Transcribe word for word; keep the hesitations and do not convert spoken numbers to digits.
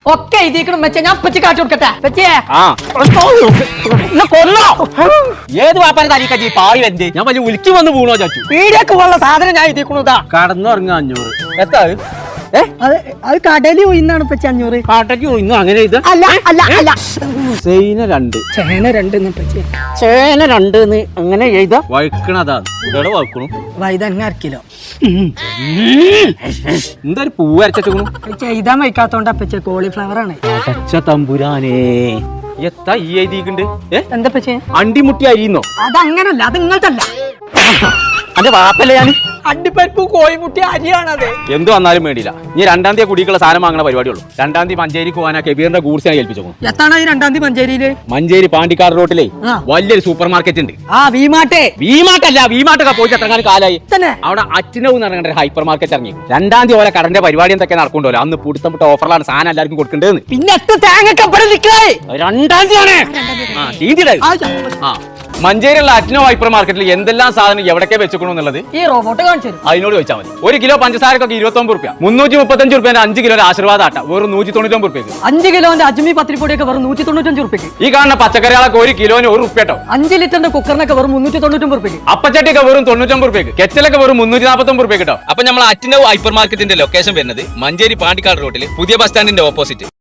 ഒക്കെ എഴുതിക്കണം വെച്ചാ ഞാൻ പച്ച കാച്ചു കൊടുക്കട്ടെ വെച്ചേ കൊല്ലോ ഏത് വാപ്പാനെ തരീക്കച്ചി പായി വെന്ത് ഞാൻ വലിയ ഉലുക്കി വന്ന് വീണോ ചാച്ചു പീടിയൊക്കെ ഉള്ള സാധനം ഞാൻ എഴുതിക്കണതാ കടന്നുറങ്ങ അഞ്ഞൂറ് എത്താ ഏ അത് അത് കടലിൽ ഒയിന്നാണ് പച്ച അഞ്ഞൂറ് കാട്ടയ്ക്ക് ഇന്നും അങ്ങനെ ഇത് അല്ല അല്ല അല്ല ചേന രണ്ട് ചേന രണ്ട് പച്ച ചേന രണ്ട് അങ്ങനെ എഴുത വഴുക്കണതാ ഇവിടെ വഴുക്കണു വൈതങ്ങ അരക്കിലോ എന്താ ഒരു പൂവ് അരച്ചു ചെയ്താൻ വയ്ക്കാത്തോണ്ട് പച്ച കോളിഫ്ലവർ ആണ് അടച്ച തമ്പുരാനേ എത്താ ഈ എഴുതിയിട്ടുണ്ട് ഏ എന്താ പച്ചേ അണ്ടിമുട്ടി അരിയുന്നോ അതങ്ങനല്ല അത് ഇങ്ങനത്തല്ല അന്റെ വാപ്പല്ലേ ഞാൻ അണ്ടിപ്പരിപ്പ് കോഴിമുട്ടി അരിയാണത് എന്ത് വന്നാലും വേണ്ടിയില്ല ഇനി രണ്ടാം തീയതി കുടിക്കുള്ള സാധനം വാങ്ങണ പരിപാടിയുള്ളൂ രണ്ടാം തീയതി മഞ്ചേരി പോകാനാ കെബീറിന്റെ ഗൂഡ്സ് ഞാൻ ഏൽപ്പിച്ചു എത്താണ് ഈ രണ്ടാം തീയതി മഞ്ചേരിയില് മഞ്ചേരി പാണ്ടിക്കാട് റോട്ടിലെ ആ. വലിയൊരു സൂപ്പർ മാർക്കറ്റ് ഉണ്ട് ആ വീമാട്ടെ വീമാട്ടല്ല വീമാട്ടൊക്കെ പോയി എത്രങ്ങാനും കാലായി തന്നെ അവിടെ അച്ഛനവ് എന്ന് പറഞ്ഞ ഹൈപ്പർ മാർക്കറ്റ് ഇറങ്ങി രണ്ടാം തീയതി ഓലെ കടന്റെ പരിപാടി എന്തൊക്കെ നടക്കുന്നുണ്ടല്ലോ അന്ന് പുടുത്തം പുട്ട ഓഫറിലാണ് സാധനം എല്ലാവർക്കും കൊടുക്കേണ്ടത് പിന്നെ എത്ര തേങ്ങക്കപ്പടെ നിൽക്കേ രണ്ടാം തീയതി ആ തീയതിയുടെ ആ മഞ്ചേരിയുള്ള അറ്റ്നോ ഹൈപ്പർ മാർക്കറ്റിൽ എന്തെല്ലാം സാധനം എവിടേക്ക് വെച്ചേക്കണു എന്നുള്ളത് ഈ റോബോട്ട് കാണിച്ചു അതിനോട് ചോദിച്ചാൽ മതി ഒരു കിലോ പഞ്ചസാരക്കൊക്കെ ഇരുപത്തൊമ്പത് റുപ്യ മുന്നൂറ്റി മുപ്പത്തഞ്ച് റുപ്യന്റെ അഞ്ച് കിലോ ആശീർവാദ ആട്ട വെറും നൂറ്റി തൊണ്ണൂറ്റൊമ്പത് റുപ്യക്ക് അഞ്ച് കിലോന്റെ അജ്മി പത്തിരിപ്പൊടിയൊക്കെ വെറും നൂറ്റി തൊണ്ണൂറ്റഞ്ച് റുപ്യക്ക് ഈ കാണുന്ന പച്ചക്കറികളൊക്കെ ഒരു കിലോന് ഒരു റുപ്യ കേട്ടോ അഞ്ച് ലിറ്ററിന്റെ കുക്കറിനൊക്കെ വെറും മുന്നൂറ്റി തൊണ്ണൂറ്റൊമ്പത് റുപ്യക്ക് അപ്പച്ചട്ടിയൊക്കെ വെറും തൊണ്ണൂറ്റൊമ്പത് റുപ്യക്ക് കെച്ചലൊക്കെ വെറും മുന്നൂറ്റി നാൽപ്പത്തൊമ്പത് റുപ്യ കേട്ടോ അപ്പൊ നമ്മൾ അറ്റ്നോ ഹൈപ്പർ മാർക്കറ്റിന്റെ ലൊക്കേഷൻ വരുന്നത് മഞ്ചേരി പാണ്ടിക്കാട് റോഡിൽ പുതിയ ബസ് സ്റ്റാൻഡിന്റെ ഓപ്പോസിറ്റ്